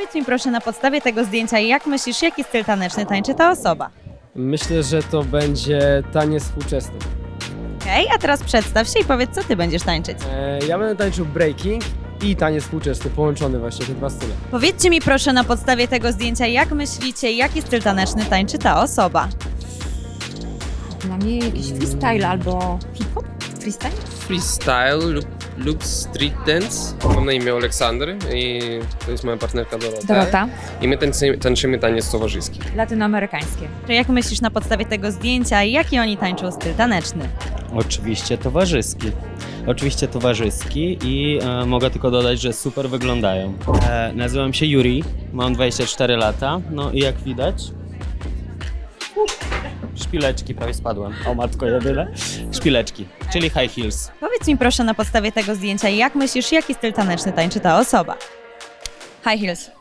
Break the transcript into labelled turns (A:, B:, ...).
A: Powiedz mi proszę na podstawie tego zdjęcia, jak myślisz, jaki styl taneczny tańczy ta osoba?
B: Myślę, że to będzie taniec współczesny.
A: Okej, a teraz przedstaw się i powiedz, co ty będziesz tańczyć.
B: Ja będę tańczył breaking i taniec współczesny, połączony właśnie te dwa style.
A: Powiedzcie mi proszę na podstawie tego zdjęcia, jak myślicie, jaki styl taneczny tańczy ta osoba?
C: Dla mnie jakiś freestyle albo hip-hop? Freestyle?
D: Freestyle lub street dance. Mam na imię Aleksander i to jest moja partnerka Dorota.
C: Dorota.
D: I my tańczymy taniec towarzyski.
C: Latynoamerykańskie.
A: Czy jak myślisz na podstawie tego zdjęcia, jaki oni tańczą styl taneczny?
E: Oczywiście towarzyski. Oczywiście towarzyski i mogę tylko dodać, że super wyglądają. Nazywam się Yuri, mam 24 lata, no i jak widać... Szpileczki, prawie spadłem. O matko jedyne. Szpileczki, czyli high heels.
A: Powiedz mi proszę na podstawie tego zdjęcia, jak myślisz, jaki styl taneczny tańczy ta osoba? High heels.